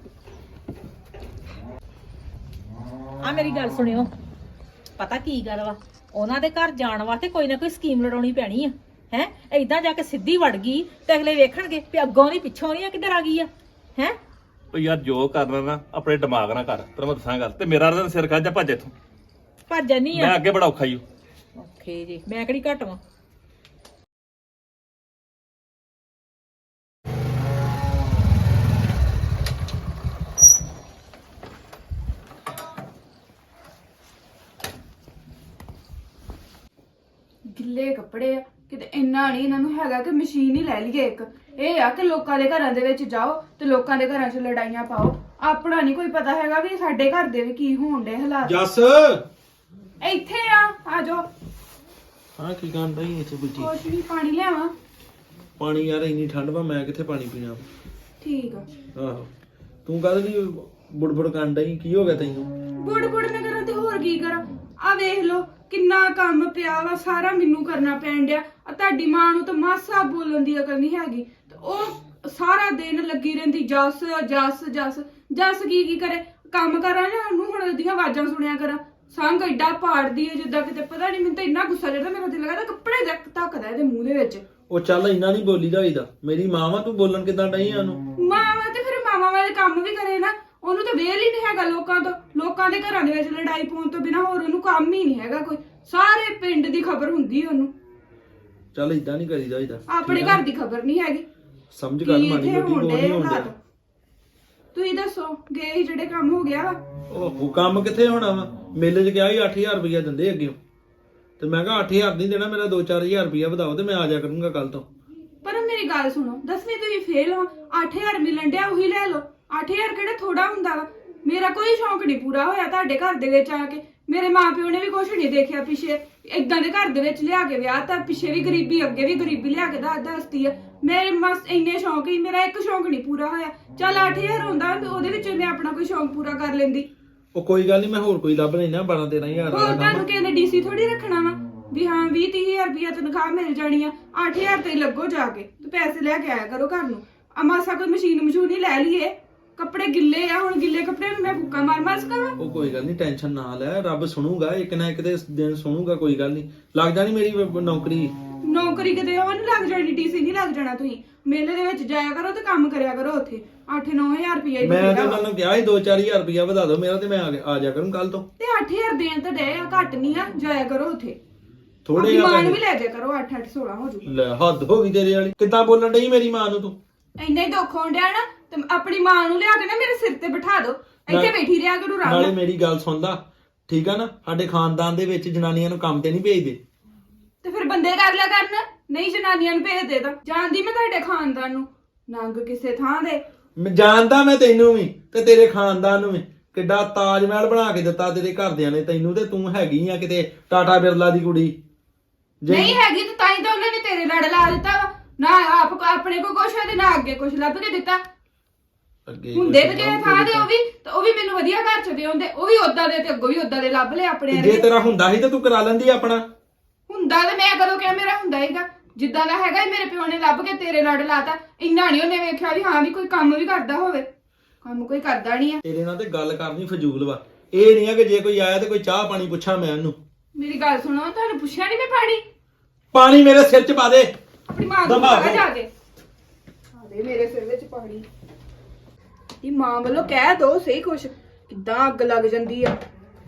Speaker 1: ਆ ਮੇਰੀ ਗੱਲ ਸੁਣਿਓ ਪਤਾ ਕੀ ਗੱਲ ਵਾ ਉਹਨਾਂ ਦੇ ਘਰ ਜਾਣ ਵਾਸਤੇ ਕੋਈ ਨਾ ਕੋਈ ਸਕੀਮ ਲੜਾਉਣੀ ਪੈਣੀ ਆ ਹੈ ਏਦਾਂ ਜਾ ਕੇ ਸਿੱਧੀ ਵੜ ਗਈ ਤੇ ਅਗਲੇ ਵੇਖਣਗੇ ਵੀ ਅੱਗੋਂ ਨਹੀਂ ਪਿੱਛੋਂ ਨਹੀਂ ਆ ਕਿੱਧਰ ਆ ਗਈ ਆ ਹੈ
Speaker 2: ਉਹ ਯਾਰ ਜੋ ਕਰਨਾ ਨਾ ਆਪਣੇ ਦਿਮਾਗ ਨਾਲ ਕਰ ਤੈਨੂੰ ਮੈਂ ਦੱਸਾਂ ਗੱਲ ਤੇ ਮੇਰਾ ਤਾਂ ਸਿਰ ਖਾ ਜਾ ਭੱਜ ਇੱਥੋਂ
Speaker 1: ਭੱਜ ਜਾਨੀ
Speaker 2: ਮੈਂ
Speaker 1: ਆ
Speaker 2: ਅੱਗੇ ਬੜਾ ਔਖਾ ਹੀ
Speaker 1: ਓਕੇ ਜੀ ਮੈਂ ਕਿਹੜੀ ਘੱਟ ਵਾਂ
Speaker 3: ਗਿੱਲੇ ਕੱਪੜੇ ਆ ਕਿਤੇ ਇੰਨਾ ਨਹੀਂ ਇਹਨਾਂ ਨੂੰ ਹੈਗਾ ਕਿ ਮਸ਼ੀਨ ਹੀ ਲੈ ਲਈਏ ਇੱਕ ਇਹ ਆ ਕਿ ਲੋਕਾਂ ਦੇ ਘਰਾਂ ਦੇ ਵਿੱਚ ਜਾਓ ਤੇ ਲੋਕਾਂ ਦੇ ਘਰਾਂ 'ਚ ਲੜਾਈਆਂ ਪਾਓ ਆਪਣਾ ਨਹੀਂ ਕੋਈ ਪਤਾ ਹੈਗਾ ਵੀ ਸਾਡੇ ਘਰ ਦੇ ਵੀ ਕੀ ਹੋਣ ਡੇ ਹਾਲਾਤ
Speaker 4: ਜੱਸ
Speaker 3: ਇੱਥੇ ਆ ਜਾਓ
Speaker 4: ਹਾਂ ਕੀ ਕਰਨ ਰਹੀ ਇੱਥੇ ਬੁੱਝੀ
Speaker 3: ਕੁਛ ਵੀ ਪਾਣੀ ਲਿਆਵਾਂ
Speaker 4: ਪਾਣੀ ਯਾਰ ਇੰਨੀ ਠੰਡ ਵਾ ਮੈਂ ਕਿੱਥੇ ਪਾਣੀ ਪੀਣਾ
Speaker 3: ਠੀਕ ਆ
Speaker 4: ਆਹੋ ਤੂੰ ਕਹਦੇ ਦੀ ਬੁੜਬੁੜ ਕਰਨ ਡਈ ਕੀ ਹੋ ਗਿਆ ਤੈਨੂੰ
Speaker 3: ਬੁੜ ਨਾ ਕਰਾਂ ਤੇ ਹੋਰ ਕੀ ਕਰਾਂ ਆ ਵੇਖ ਲੋ ਕਿੰਨਾ ਕੰਮ ਪਿਆ ਵਾ ਸਾਰਾ ਮੈਨੂੰ ਕਰਨਾ ਪੈਣ ਡਿਆ ਆ ਤੁਹਾਡੀ ਮਾਂ ਨੂੰ ਤਾਂ ਮਾਸਾ ਬੋਲਣ ਦੀ ਅਕਲ ਨਹੀਂ ਹੈਗੀ ਤੇ ਉਹ ਸਾਰਾ ਦਿਨ ਲੱਗੀ ਰਹਿੰਦੀ ਜੱਸ ਜੱਸ ਜੱਸ ਜੱਸ ਕੀ ਕਰੇ ਕੰਮ ਕਰਾਂ ਜਾਂ ਉਹਨੂੰ ਹੁਣ ਉਹਦੀਆਂ ਆਵਾਜ਼ਾਂ ਸੁਣਿਆ ਕਰਾਂ ਸੰਗ ਐਡਾ ਪਾੜਦੀ ਹੈ ਜਿੱਦਾਂ ਕਿਤੇ ਪਤਾ ਨਹੀਂ ਮੈਨੂੰ ਤਾਂ ਇੰਨਾ ਗੁੱਸਾ ਚੜਦਾ ਮੇਰਾ ਦਿਲ ਕਰਦਾ ਕੱਪੜੇ ਧੱਕਦਾ ਇਹਦੇ ਮੂੰਹ ਦੇ ਵਿੱਚ
Speaker 4: ਉਹ ਚੱਲ ਇੰਨਾ ਨਹੀਂ ਬੋਲੀਦਾ ਹੋਈਦਾ ਮੇਰੀ ਮਾਂ ਵਾ ਤੂੰ ਬੋਲਣ ਕਿਦਾਂ ਡਈ ਆ ਉਹਨੂੰ
Speaker 3: ਮਾਵਾਂ ਤੇ ਫਿਰ ਮਾਵਾਂ ਵਾਲੇ ਕੰਮ ਵੀ ਕਰੇ ਨਾ ਉਹਨੂੰ ਤਾਂ ਵੇਲ ਹੀ ਨਹੀਂ ਹੈਗਾ ਲੋਕਾਂ ਦੇ ਘਰਾਂ ਦੇ ਵਿੱਚ ਲੜਾਈ ਪਾਉਣ ਤੋਂ ਬਿਨਾ ਹੋਰ ਉਹਨੂੰ ਕੰਮ ਹੀ ਨਹੀਂ ਹੈਗਾ ਕੋਈ ਸਾਰੇ ਪਿੰਡ ਦੀ ਖਬਰ ਹੁੰਦੀ ਉਹਨੂੰ
Speaker 4: ਚੱਲ ਇਦਾਂ ਨਹੀਂ ਕਰੀਦਾ ਹੋਈਦਾ
Speaker 3: ਆਪਣੇ ਘਰ ਦੀ ਖਬਰ ਨਹੀਂ ਹੈਗੀ
Speaker 4: ਸਮਝ ਗੱਲ ਮਾੜੀ ਮੋਟੀ ਕੋ ਨਹੀਂ ਹੁੰਦਾ
Speaker 3: ਤੁਸੀਂ ਦੱਸੋ ਗਏ ਸੀ ਜਿਹੜੇ ਕੰਮ ਹੋ ਗਿਆ ਵਾ
Speaker 4: ਉਹ ਕੰਮ ਕਿੱਥੇ ਹੋਣਾ ਵਾ ਮੇਲੇ 'ਚ ਗਿਆ ਸੀ 8000 ਰੁਪਇਆ ਦਿੰਦੇ ਅੱਗੇ ਤੇ ਮੈਂ ਕਿਹਾ 8000 ਨਹੀਂ ਦੇਣਾ ਮੇਰਾ 2-4000 ਰੁਪਇਆ ਵਧਾਓ ਤੇ ਮੈਂ ਆ ਜਾ ਕਰੂੰਗਾ ਕੱਲ ਤੋਂ
Speaker 3: ਪਰ ਮੇਰੀ ਗੱਲ ਸੁਣੋ 10ਵੀਂ ਤੋਂ ਵੀ ਫੇਲ ਹੋ 8000 ਮਿਲਣ ਡਿਆ ਉਹੀ ਲੈ ਲਓ 8000 ਕਿਹੜਾ ਥੋੜਾ ਹੁੰਦਾ ਵਾ ਮੇਰਾ ਕੋਈ ਸ਼ੌਂਕ ਨਹੀਂ ਪੂਰਾ ਹੋਇਆ ਤੁਹਾਡੇ ਘਰ ਦੇ ਵਿੱਚ ਆ ਕੇ ਮੇਰੇ ਮਾਪਿਓ ਨੇ ਵੀ ਕੁਝ ਨਹੀਂ ਦੇਖਿਆ ਪਿੱਛੇ ਇਦਾਂ ਦੇ ਘਰ ਦੇ ਵਿੱਚ ਲਿਆ ਕੇ ਵਿਆਹ ਤਾਂ ਪਿੱਛੇ ਵੀ ਗਰੀਬੀ ਅੱਗੇ ਵੀ ਗਰੀਬੀ ਲਿਆ ਕੇ ਦੱਸਦੀ ਆ ਮੇਰੇ ਮਸ ਇੰਨੇ ਸ਼ੌਂਕ ਹੀ ਮੇਰਾ ਇੱਕ ਸ਼ੌਂਕ ਨਹੀਂ ਪੂਰਾ ਹੋਇਆ ਚੱਲ 8000 ਹੁੰਦਾ ਤੇ ਉਹਦੇ ਵਿੱਚ ਮੈਂ ਆਪਣਾ ਕੋਈ ਸ਼ੌਂਕ ਪੂਰਾ ਕਰ ਲੈਂਦੀ
Speaker 4: ਉਹ ਕੋਈ ਗੱਲ ਨਹੀਂ ਮੈਂ ਹੋਰ ਕੋਈ ਲੱਭ ਲੈਣਾ 12-13,000
Speaker 3: ਹੋਰ ਤੁਹਾਨੂੰ ਕਹਿੰਦੇ ਡੀਸੀ ਥੋੜੀ ਰੱਖਣਾ ਵਾ ਵੀ ਹਾਂ 20-30,000 ਰੁਪਇਆ ਤਨਖਾਹ ਮਿਲ ਜਾਣੀ ਆ 8000 ਤੇ ਲੱਗੋ ਜਾ ਕੇ ਤੇ ਪੈਸੇ ਲੈ ਕੇ ਆਇਆ ਕਰੋ ਘਰ ਨੂੰ ਮਾਸਾ ਕੋਈ ਮਸ਼ੀਨ ਮਸ਼ੂਨ ਹੀ ਲੈ ਲਈਏ ਕੱਪੜੇ ਗਿੱਲੇ ਆ ਹੁਣ ਗਿੱਲੇ ਕੱਪੜਿਆਂ ਨੂੰ ਮੈਂ ਫੁੱਕਾ ਮਾਰ ਸਕਾਂ
Speaker 4: ਉਹ ਕੋਈ ਗੱਲ ਨਹੀਂ ਟੈਨਸ਼ਨ ਨਾ ਲੈ ਰੱਬ ਸੁਣੂਗਾ ਇੱਕ ਨਾ ਇੱਕ ਦੇ ਦਿਨ ਸੁਣੂਗਾ ਕੋਈ ਗੱਲ ਨਹੀਂ ਲੱਗ ਜਾਣੀ ਮੇਰੀ ਨੌਕਰੀ
Speaker 3: ਕਿਤੇ ਉਹ ਨਹੀਂ ਲੱਗ ਜਾਣੀ ਡੀਸੀ ਨਹੀਂ ਲੱਗ ਜਾਣਾ ਤੁਸੀਂ ਮੇਲੇ ਦੇ ਵਿੱਚ ਜਾਇਆ ਕਰੋ ਤੇ ਕੰਮ ਕਰਿਆ ਕਰੋ ਉੱਥੇ 8-9,000 ਰੁਪਇਆ ਹੀ
Speaker 4: ਮੈਂ ਤੇ ਉਹਨਾਂ ਨੂੰ ਕਿਹਾ ਸੀ 2-4000 ਰੁਪਇਆ ਵਧਾ ਦਿਓ ਮੇਰਾ ਤੇ ਮੈਂ ਆ ਜਾ ਕਰੂੰ ਕੱਲ ਤੋਂ
Speaker 3: ਤੇ 8000 ਦੇਣ ਤਾਂ ਦੇ ਘੱਟ ਨਹੀਂ ਆ ਜਾਇਆ ਕਰੋ ਉੱਥੇ
Speaker 4: ਥੋੜੇ
Speaker 3: ਮਾਂ ਨੂੰ ਵੀ ਲੈ ਜਾਇਆ ਕਰੋ 8-8 16 ਹੋ ਜੂ
Speaker 4: ਲੈ ਹੱਦ ਹੋ ਗਈ ਤੇਰੇ ਵਾਲੀ ਕਿੱਦਾਂ ਬੋਲਣ ਡਈ ਮੇਰੀ ਮਾਂ ਨੂੰ ਤੂੰ
Speaker 3: ਇੰਨਾ ਹੀ ਦੁੱਖ ਹੋਣ ਡਿਆ ਨਾ ਤੇ ਆਪਣੀ ਮਾਂ ਨੂੰ ਲਿਆ ਕੇ ਨਾ ਮੇਰੇ ਸਿਰ ਤੇ ਬਿਠਾ ਦਿਓ ਇੱਥੇ ਬੈਠੀ ਰਿਹਾ ਕਰੂ ਰਾਮ
Speaker 4: ਨਾਲੇ ਮੇਰੀ ਗੱਲ ਸੁਣ ਲਾ ਠੀਕ ਆ ਨਾ ਸਾਡੇ ਖਾਨਦਾਨ ਦੇ ਵਿੱਚ ਜਨਾਨੀਆਂ ਨੂੰ ਕੰਮ ਤੇ ਨਹੀਂ ਭੇਜਦੇ
Speaker 3: ਤੇ ਫਿਰ ਬੰਦੇ ਕਰ ਲਿਆ ਕਰਨ ਨਹੀਂ ਜਨਾਨੀਆਂ ਨੂੰ ਭੇਜ ਦੇ ਤਾਂ ਜਾਣਦੀ ਮੈਂ ਤੁਹਾਡੇ ਖਾਨਦਾਨ ਨੂੰ ਨੰਗ ਕਿਸੇ ਥਾਂ ਦੇ
Speaker 4: ਮੈਂ ਜਾਣਦਾ ਮੈਂ ਤੈਨੂੰ ਵੀ ਤੇ ਤੇਰੇ ਖਾਨਦਾਨ ਨੂੰ ਵੀ ਕਿੱਡਾ ਤਾਜ ਮਹਿਲ ਬਣਾ ਕੇ ਦਿੱਤਾ ਤੇਰੇ ਘਰਦਿਆਂ ਨੇ ਤੈਨੂੰ ਤੇ ਤੂੰ ਹੈਗੀ ਆ ਕਿਤੇ ਟਾਟਾ ਬਿਰਲਾ ਦੀ ਕੁੜੀ
Speaker 3: ਨਹੀਂ ਹੈਗੀ ਤੇ ਤਾਂ ਹੀ ਤਾਂ ਉਹਨੇ ਤੇਰੇ ਲੜ ਲਾ ਦਿੱਤਾ ਵਾ ਨਾ ਆਪ ਆਪਣੇ ਕੋ ਕੁਛ ਹੈ ਤੇ ਨਾ ਅੱਗੇ ਕੁਛ ਲੱਭ ਕੇ ਦਿੱਤਾ ਹੁੰਦੇ ਤੇ ਜਿਹੜੇ ਥਾਂ ਦੇ ਉਹ ਵੀ ਮੈਨੂੰ ਵਧੀਆ ਘਰ ਚ ਦੇ ਹੁੰਦੇ ਉਹ ਵੀ ਉਦਾਂ ਦੇ ਤੇ ਅੱਗੋਂ ਵੀ ਉਦਾਂ ਦੇ ਲੱਭ ਲਏ ਆਪਣੇ
Speaker 4: ਜੇ ਤੇਰਾ ਹੁੰਦਾ ਸੀ ਤੇ ਤੂੰ ਕਰਾ ਲੈਂਦੀ ਆਪਣਾ
Speaker 3: ਹੁੰਦਾ ਤੇ ਮੈਂ ਕਦੋਂ ਕਿਹਾ ਮੇਰਾ ਹੁੰਦਾ ਹੈਗਾ ਜਿੱਦਾਂ ਦਾ ਹੈਗਾ ਮੇਰੇ ਪਿਓ ਨੇ ਲੱਭ ਕੇ ਤੇਰੇ ਲੜ ਲਾਤਾ ਇੰਨਾ ਨਹੀਂ ਉਹਨੇ ਵੇਖਿਆ ਵੀ ਹਾਂ ਵੀ ਕੋਈ ਕੰਮ ਵੀ ਕਰਦਾ ਹੋਵੇ ਕੰਮ ਕੋਈ ਕਰਦਾ ਨਹੀਂ ਆ
Speaker 4: ਤੇਰੇ ਨਾਲ ਤੇ ਗੱਲ ਕਰਨੀ ਫਜ਼ੂਲ ਵਾ ਇਹ ਨਹੀਂ ਆ ਕਿ ਜੇ ਕੋਈ ਆਇਆ ਤੇ ਕੋਈ ਚਾਹ ਪਾਣੀ ਪੁੱਛਾਂ ਮੈਂ ਉਹਨੂੰ
Speaker 3: ਮੇਰੀ ਗੱਲ ਸੁਣੋ ਤੁਹਾਨੂੰ ਪੁੱਛਿਆ ਨਹੀਂ ਮੈਂ
Speaker 4: ਪਾਣੀ ਮੇਰੇ ਸਿਰ 'ਚ ਪਾ ਦੇ
Speaker 3: ਆਪਣੀ ਮਾਂ ਨੂੰ ਕਹਾ ਜਾ ਕੇ ਆ ਦੇ ਮੇਰੇ ਸਿਰ ਵਿੱਚ ਪਾਣੀ ਦੀ ਮਾਂ ਵੱਲੋਂ ਕਹਿ ਦੋ ਸਹੀ ਕੁਛ ਕਿੱਦਾਂ ਅੱਗ ਲੱਗ ਜਾਂਦੀ ਆ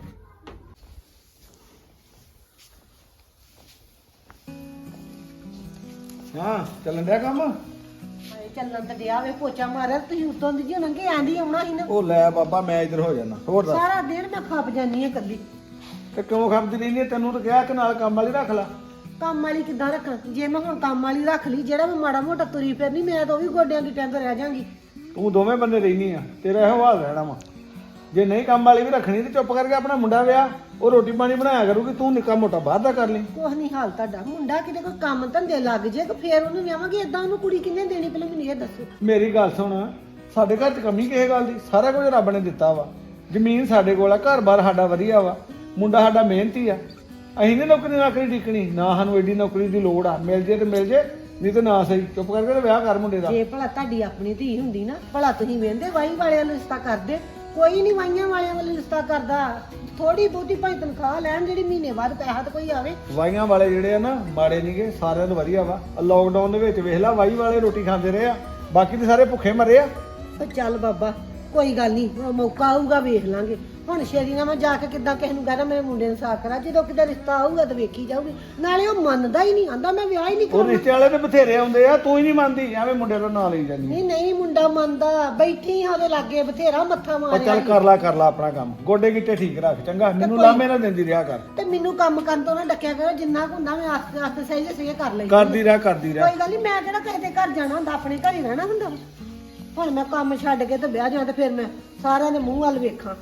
Speaker 4: ਹਾਂ ਚੱਲਣ ਡਿਆ ਕੰਮ
Speaker 5: ਚੱਲਣ ਤੇ ਡਿਆ ਵੇ ਪੋਚਾ ਮਾਰਿਆ ਤੁਸੀਂ ਉਤੋਂ ਦੀ ਜੀ ਨੰਗੇ ਆਂਦੀ ਆਉਣਾ ਸੀ ਨਾ
Speaker 4: ਉਹ ਲੈ ਬਾਬਾ ਮੈਂ ਇੱਧਰ ਹੋ ਜਾਣਾ ਹੋਰ ਦੱਸ
Speaker 5: ਸਾਰਾ ਦਿਨ ਮੈਂ ਖੱਪ ਜਾਨੀ ਆ ਕੱਲੀ
Speaker 4: ਤੇ ਕਿਉਂ ਖਪਦੀ ਰਹਿੰਦੀ ਹੈ ਤੈਨੂੰ ਤਾਂ ਕਿਹਾ ਕਿ ਨਾਲ ਕੰਮ ਵਾਲੀ ਰੱਖ ਲੈ
Speaker 5: ਕੰਮ ਵਾਲੀ ਕਿੱਦਾਂ ਰੱਖਾਂ ਜੇ ਮੈਂ ਹੁਣ ਕੰਮ ਵਾਲੀ ਰੱਖ ਲਈ ਜਿਹੜਾ ਮੈਂ ਮਾੜਾ ਮੋਟਾ ਤੁਰੀ ਫਿਰਨੀ ਮੈਂ ਤਾਂ ਉਹ ਵੀ ਗੋਡਿਆਂ ਦੀ ਟੈਂਕ ਰਹਿ ਜਾਾਂਗੀ
Speaker 6: ਤੂੰ ਦੋਵੇਂ ਬੰਦੇ ਰਹਿਨੀ ਆ ਤੇਰਾ ਇਹੋ ਹਾਲ ਰਹਿਣਾ ਵਾ ਜੇ ਨਹੀਂ ਕੰਮ ਵਾਲੀ ਵੀ ਰੱਖਣੀ ਤੇ ਚੁੱਪ ਕਰਕੇ ਆਪਣਾ ਮੁੰਡਾ ਵਿਆਹ ਉਹ ਰੋਟੀ ਪਾਣੀ ਬਣਾਇਆ ਕਰੂਗੀ ਤੂੰ ਨਿੱਕਾ ਮੋਟਾ ਬਾਹਰ ਦਾ ਕਰ ਲਈ
Speaker 5: ਕੁਛ ਨਹੀਂ ਹਾਲ ਤੁਹਾਡਾ ਮੁੰਡਾ ਕਿਤੇ ਕੋਈ ਕੰਮ ਧੰਦੇ ਲੱਗ ਜੇ ਕਿ ਫੇਰ ਉਹਨੂੰ ਵਿਆਹਾਂਗੇ ਏਦਾਂ ਉਹਨੂੰ ਕੁੜੀ ਕਿੰਨੇ ਦੇਣੀ ਪਹਿਲਾਂ ਮੈਨੂੰ ਇਹ ਦੱਸੋ
Speaker 6: ਮੇਰੀ ਗੱਲ ਸੁਣ ਸਾਡੇ ਘਰ 'ਚ ਕਮੀ ਕਿਸੇ ਗੱਲ ਦੀ ਸਾਰਾ ਕੁਝ ਰੱਬ ਨੇ ਦਿੱਤਾ ਵਾ ਜ਼ਮੀਨ ਸਾਡੇ ਕੋਲ ਆ, ਘਰ-ਬਾਰ ਸਾਡਾ ਵਧੀਆ ਵਾ, ਮੁੰਡਾ ਸਾਡਾ ਮਿਹਨਤੀ ਆ। ਅਸੀਂ ਨੀ ਨੌਕਰੀ ਨਾਕਰੀ ਟਿਕਣੀ, ਨਾ ਸਾਨੂੰ ਐਡੀ ਨੌਕਰੀ ਦੀ ਲੋੜ ਆ, ਮਿਲ ਜੇ ਤੇ ਮਿਲ ਜੇ, ਨਹੀਂ ਤੇ ਨਾ ਸਹੀ। ਚੁੱਪ ਕਰਕੇ ਤੇ ਵਿਆਹ ਕਰ ਮੁੰਡੇ ਦਾ।
Speaker 5: ਜੇ ਭਲਾ ਤੁਹਾਡੀ ਆਪਣੀ ਧੀ ਹੁੰਦੀ ਨਾ, ਭਲਾ ਤੁਸੀਂ ਵੇਂਦੇ ਵਾਈ ਵਾਲਿਆਂ ਨੂੰ ਰਿਸ਼ਤਾ ਕਰਦੇ? ਕੋਈ ਨਹੀਂ ਵਾਈਆਂ ਵਾਲਿਆਂ ਵੱਲ ਰਿਸ਼ਤਾ ਕਰਦਾ। ਥੋੜੀ ਬਹੁਤੀ ਭਾਈ ਤਨਖਾਹ ਲੈਣ, ਜਿਹੜੀ ਮਹੀਨੇ ਬਾਅਦ ਪੈਸਾ ਤਾਂ ਕੋਈ ਆਵੇ।
Speaker 6: ਵਾਈਆਂ ਵਾਲੇ ਜਿਹੜੇ ਆ ਨਾ ਮਾੜੇ ਨਹੀਂਗੇ, ਸਾਰਿਆਂ ਤੋਂ ਵਧੀਆ ਵਾ। ਲੋਕਡਾਊਨ ਦੇ ਵਿੱਚ ਵੇਖ ਲਾ, ਵਾਈ ਵਾਲੇ ਰੋਟੀ ਖਾਂਦੇ ਰਹੇ ਆ, ਬਾਕੀ ਤੇ ਸਾਰੇ ਭੁੱਖੇ ਮਰੇ ਆ।
Speaker 5: ਤੇ ਚੱਲ ਬਾਬਾ ਕੋਈ ਗੱਲ ਨਹੀਂ, ਮੌਕਾ ਆਊਗਾ ਵੇਖ ਲਾਂਗੇ। ਹੁਣ ਸ਼ੇਰੀ ਨਾਲ ਮੈਂ ਜਾ ਕੇ ਕਿੱਦਾਂ ਕਿਸੇ ਨੂੰ ਕਹਦਾ ਮੇਰੇ ਮੁੰਡੇ ਨੂੰ ਸਾਕ ਕਰਾ? ਜਦੋਂ ਕਿਤੇ ਰਿਸ਼ਤਾ ਆਊਗਾ ਤਾਂ ਵੇਖੀ ਜਾਊਗੀ। ਨਾਲੇ ਉਹ ਮੰਨਦਾ ਹੀ ਨਹੀਂ, ਆਂਦਾ ਮੈਂ ਵਿਆਹ ਹੀ ਨਹੀਂ
Speaker 6: ਉਹ
Speaker 5: ਕਰਨਾ।
Speaker 6: ਰਿਸ਼ਤੇ ਵਾਲੇ ਤੇ ਬਥੇਰੇ ਆਉਂਦੇ ਆ, ਤੂੰ ਹੀ ਨਹੀਂ ਮੰਨਦੀ, ਐਵੇਂ ਮੁੰਡੇ ਦਾ ਨਾਂ ਲਈ ਜਾਂਦੀ।
Speaker 5: ਨਹੀਂ ਨਹੀਂ, ਮੁੰਡਾ ਮੰਨਦਾ, ਬੈਠੀ ਆ ਉਹਦੇ ਲਾਗੇ, ਬਥੇਰਾ ਮੱਥਾ
Speaker 6: ਉਹ
Speaker 5: ਮਾਰਿਆ।
Speaker 6: ਚੱਲ ਕਰ ਲਾ ਆਪਣਾ ਕੰਮ, ਗੋਡੇ ਗਿੱਟੇ ਠੀਕ ਰੱਖ, ਚੰਗਾ? ਮੈਨੂੰ ਲਾਮੇ ਨਾ ਦਿੰਦੀ ਰਿਹਾ ਕਰ।
Speaker 5: ਤੇ ਮੈਨੂੰ ਕੰਮ ਕਰਨ ਤੋਂ ਨਾ ਡੱਕਿਆ ਕਰੋ, ਜਿੰਨਾ ਕੁ ਹੁੰਦਾ ਮੈਂ ਆਸਤੇ ਆਸਤੇ ਸਹੀ ਸਹੀ ਕਰ ਲਈ।
Speaker 6: ਕਰਦੀ ਰਹਿ
Speaker 5: ਕੋਈ ਗੱਲ ਨਹੀਂ, ਮੈਂ ਕਿਹੜਾ ਕਿਸੇ ਦੇ ਘਰ ਜਾਣਾ ਹੁੰਦਾ, ਆਪਣੇ ਘਰ ਹੀ ਰਹਿਣਾ ਹੁੰਦਾ। ਹੁਣ ਮੈਂ ਕੰਮ ਛੱਡ ਕੇ ਤੇ ਵਿਆਹ ਜਾਣਾ, ਤੇ ਫਿਰ ਮੈਂ ਸਾਰਿਆਂ ਦੇ ਮੂੰਹ ਵੱਲ ਵੇਖਾਂ।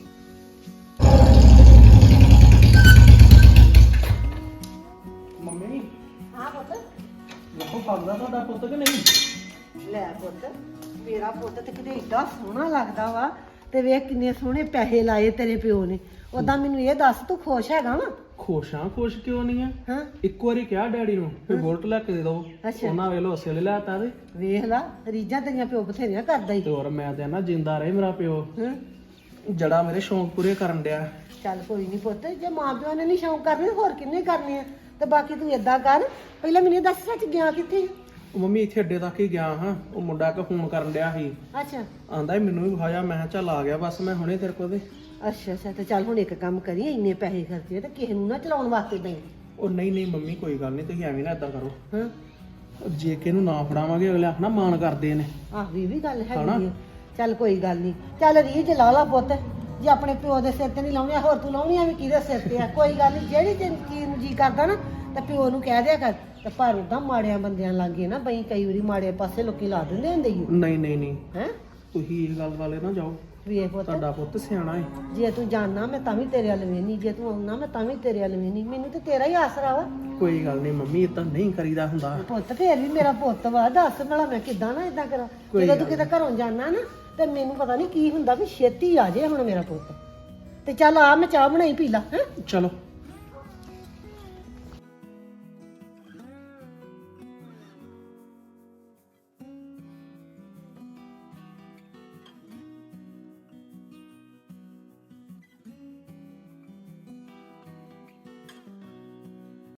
Speaker 6: ਮੰਮੀ
Speaker 5: ਹਾਂ ਪੁੱਤ।
Speaker 6: ਦੇਖੋ ਪੱਗਦਾ ਤੁਹਾਡਾ ਪੁੱਤ ਕਿ ਨਹੀਂ?
Speaker 5: ਲੈ ਪੁੱਤ, ਮੇਰਾ ਪੁੱਤ ਤੇ ਕਿਤੇ ਏਡਾ ਸੋਹਣਾ ਲੱਗਦਾ ਵਾ, ਤੇ ਵੇਖ ਕਿੰਨੇ ਸੋਹਣੇ ਪੈਸੇ ਲਾਏ ਤੇਰੇ ਪਿਓ ਨੇ। ਉਦਾਂ ਮੈਨੂੰ ਇਹ ਦੱਸ, ਤੂੰ ਖੁਸ਼ ਹੈਗਾ ਵਾ?
Speaker 7: ਖੁਸ਼ ਕਿਉਂ ਨਹੀਂ ਆ?
Speaker 5: ਹਾਂ
Speaker 7: ਇੱਕ ਵਾਰੀ ਕਿਹਾ ਡੈਡੀ ਨੂੰ ਵੀ ਬੁਲਟ ਲੈ ਕੇ ਦੇ ਦੋ,
Speaker 5: ਅੱਛਾ।
Speaker 7: ਉਹਨਾਂ ਵੇਲੇ ਉਸੇ ਵੇਲੇ ਲਿਆਤਾ ਤੇ
Speaker 5: ਵੇਖ ਲਾ, ਰੀਝਾਂ ਤੇਰੀਆਂ ਪਿਓ ਬਥੇਰੀਆਂ ਕਰਦਾ ਹੀ।
Speaker 7: ਤੇ ਹੋਰ ਮੈਂ ਤੇ ਨਾ ਜਿੰਦਾ ਰਹੇ ਮੇਰਾ ਪਿਓ,
Speaker 5: ਹਾਂ
Speaker 7: ਜੜਾ ਮੇਰੇ ਸ਼ੌਂਕ ਪੂਰੇ ਕਰਨ ਡਿਆ।
Speaker 5: ਚੱਲ ਕੋਈ ਨਹੀਂ ਪੁੱਤ, ਜੇ ਮਾਂ ਪਿਓ ਨੇ ਨਹੀਂ ਸ਼ੌਂਕ ਕਰਨੇ, ਹੋਰ ਕਿੰਨੇ ਕਰਨੇ ਆ? ਤੇ ਬਾਕੀ ਤੂੰ ਏਦਾਂ ਕਰ, ਪਹਿਲਾਂ ਮੈਨੂੰ ਇਹ ਦੱਸ ਸੱਚ ਗਿਆ ਕਿੱਥੇ?
Speaker 7: ਉਹ ਮੰਮੀ ਇੱਥੇ ਅੱਡੇ ਤੱਕ ਹੀ ਗਿਆ ਹਾਂ, ਉਹ ਮੁੰਡਾ ਕਿ ਫੋਨ ਕਰਨ ਡਿਆ ਸੀ,
Speaker 5: ਅੱਛਾ
Speaker 7: ਆਂਦਾ ਸੀ ਮੈਨੂੰ ਵੀ ਵਿਖਾਇਆ। ਮੈਂ ਕਿਹਾ ਚੱਲ ਆ ਗਿਆ ਬਸ ਮੈਂ ਹੁਣੇ ਤੇਰੇ ਕੋਲ।
Speaker 5: ਅੱਛਾ ਅੱਛਾ, ਤੇ ਚੱਲ ਹੁਣ ਇੱਕ ਕੰਮ ਕਰੀ, ਇੰਨੇ ਪੈਸੇ ਖਰਚੇ ਤੇ ਕਿਸੇ ਨੂੰ ਨਾ ਚਲਾਉਣ ਵਾਸਤੇ ਦੇਈ।
Speaker 7: ਉਹ ਨਹੀਂ ਮੰਮੀ ਕੋਈ ਗੱਲ ਨਹੀਂ, ਤੁਸੀਂ ਐਵੇਂ ਨਾ ਏਦਾਂ ਕਰੋ।
Speaker 5: ਹਾਂ
Speaker 7: ਉਹ ਜੇ ਕਿ ਇਹਨੂੰ ਨਾ ਫੜਾਵਾਂਗੇ ਅਗਲੇ ਆਖਣਾ ਮਾਣ ਕਰਦੇ ਨੇ।
Speaker 5: ਆਹ ਵੀ ਗੱਲ ਹੈਗੀ ਆ। ਚੱਲ ਕੋਈ ਗੱਲ ਨਹੀਂ, ਚੱਲ ਰੀਝ ਲਾ ਲਾ ਪੁੱਤ, ਜੇ ਆਪਣੇ ਪਿਓ ਦੇ ਸਿਰ ਤੇ ਨਹੀਂ ਲਾਉਣੀ, ਹੋਰ ਤੂੰ ਲਾਉਣੀ ਆ ਵੀ ਕਿਹਦੇ ਸਿਰ ਤੇ ਆ? ਕੋਈ ਗੱਲ ਨਹੀਂ, ਜਿਹੜੀ ਤੈਨੂੰ ਚੀਜ਼ ਨੂੰ ਜੀ ਕਰਦਾ ਨਾ ਤੇ ਪਿਓ ਨੂੰ ਕਹਿ ਦਿਆ ਕਰ। ਤੇ ਪਰ ਉਦਾਂ ਮਾੜਿਆਂ ਬੰਦਿਆਂ ਲਾਗੇ ਨਾ ਬਈ, ਕਈ ਵਾਰੀ ਮਾੜੇ ਪਾਸੇ ਲੋਕੀ ਲਾ ਦਿੰਦੇ ਹੁੰਦੇ ਹੀ।
Speaker 7: ਨਹੀਂ
Speaker 5: ਹੈ
Speaker 7: ਤੁਸੀਂ ਇਹ ਗੱਲ ਵਾਲੇ ਨਾ ਜਾਓ,
Speaker 5: ਵੇਖ ਪੁੱਤ,
Speaker 7: ਤੁਹਾਡਾ ਪੁੱਤ ਸਿਆਣਾ ਹੈ।
Speaker 5: ਜੇ ਤੂੰ ਜਾਣਾ ਮੈਂ ਤਾਂ ਵੀ ਤੇਰੇ ਵੱਲ ਵੇਹਨੀ, ਜੇ ਤੂੰ ਆਉਣਾ ਮੈਂ ਤਾਂ ਵੀ ਤੇਰੇ ਵੱਲ ਵੇਹਨੀ। ਮੈਨੂੰ ਤੇ ਤੇਰਾ ਹੀ ਆਸਰਾ ਵਾ
Speaker 7: ਕੋਈ ਗੱਲ ਨਹੀਂ ਮੰਮੀ, ਏਦਾਂ ਨਹੀਂ ਕਰੀਦਾ ਹੁੰਦਾ।
Speaker 5: ਪੁੱਤ। ਫੇਰ ਵੀ ਮੇਰਾ ਪੁੱਤ ਵਾ, ਦੱਸ ਭਲਾ ਮੈਂ ਕਿੱਦਾਂ ਨਾ ਏਦਾਂ ਕਰਾਂ? ਜਦੋਂ ਤੂੰ ਕਿਤੇ ਘਰੋਂ ਜਾਣਾ ਨਾ, ਤੇ ਮੈਨੂੰ ਪਤਾ ਨਹੀਂ ਕੀ ਹੁੰਦਾ ਵੀ ਛੇਤੀ ਆ ਜੇ ਹੁਣ ਮੇਰਾ ਪੁੱਤ। ਤੇ ਚੱਲ ਆ, ਮੈਂ ਚਾਹ ਬਣਾਈ ਪੀ ਲਾ। ਹੈ
Speaker 7: ਚਲੋ